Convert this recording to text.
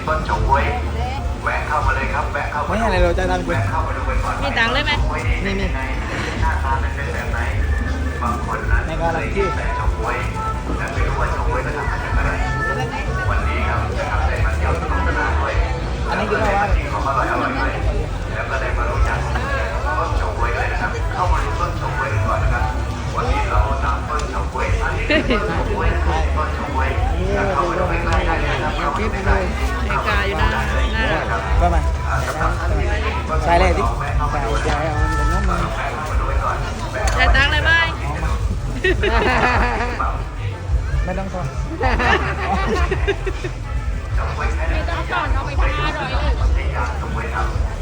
ต้นเฉาก๊วยแวะเข้ามาเลยครับแวะเข้ามาไม่อะไรเราจะทำแวะเข้ามาดูกันก่อนมีตังค์เลยไหมนี่หน้าตาเป็นแบบไหนบางคนนั้นเคยกินแต่เฉาก๊วยแต่ไม่รู้ว่าเฉาก๊วยจะทำมาจากอะไรวันนี้ครับนะครับได้มาเที่ยวสนุกสนานด้วยอันนี้คือว่าที่ของอร่อยด้วยแล้วก็ได้มารู้จักต้นเฉาก๊วยเลยนะครับเข้ามาดูต้นเฉาก๊วยกันก่อนนะครับวันนี้เรานำต้นเฉาก๊วยอันนี้คือต้นเฉาก๊วยต้นเฉาก๊วยเข้ามาดูใกล้ๆได้เลยนะครับเข้ามาดูใกล้ๆไอ้กาอยู่หน้าหน้าก็มาใส่เลยดิใส่ใส่เอาเป็นน้องมือได้ตังค์เลยไหมไม่ต้องทอนเฉาก๊วยแค่